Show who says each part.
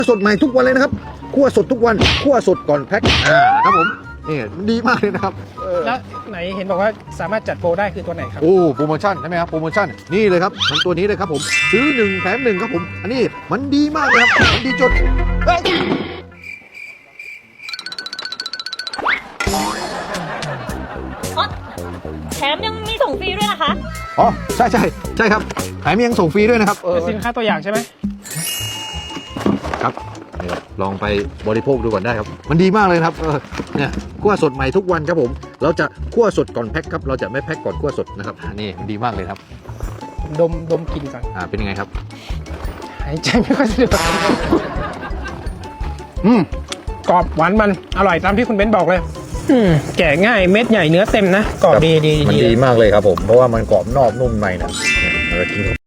Speaker 1: สดใหม่ทุกวันเลยนะครับคั่วสดทุกวันคั่วสดก่อนแพ็คครับผมนี่ดีมากเลยนะครับ
Speaker 2: แล้วไหนเห็นบอกว่าสามารถจัดโปรได้คือตัวไหนครับ
Speaker 1: โอ้โปรโมชั่นใช่ไหมครับโปรโมชั่นนี่เลยครับมันตัวนี้เลยครับผมซื้อ1แถม1ครับผมอันนี้มันดีมากเลยครับมันดีจด
Speaker 3: แถมยังมีส่งฟรีด้วยนะคะ
Speaker 1: อ๋อใช่ครับแถมยังส่งฟรีด้วยนะครับ
Speaker 2: เป็นสินค้าตัวอย่างใช่ไหม
Speaker 1: ครับลองไปบริโภคดูก่อนได้ครับมันดีมากเลยครับเนี่ยคั่วสดใหม่ทุกวันครับผมเราจะคั่วสดก่อนแพ็คครับเราจะไม่แพ็คก่อนคั่วสดนะครับนี่มันดีมากเลยครับ
Speaker 2: ดมกลิ่นก่อน
Speaker 1: เป็นยังไงครับ
Speaker 2: หายใจไม่ค่อยสะดวกกรอบหวานมันอร่อยตามที่คุณเบนซ์บอกเลยแกะง่ายเม็ดใหญ่เนื้อเต็มนะกรอบดี
Speaker 1: มันดีมากเลยครับผมเพราะว่ามันกรอบนอกนุ่มในนะเรากิน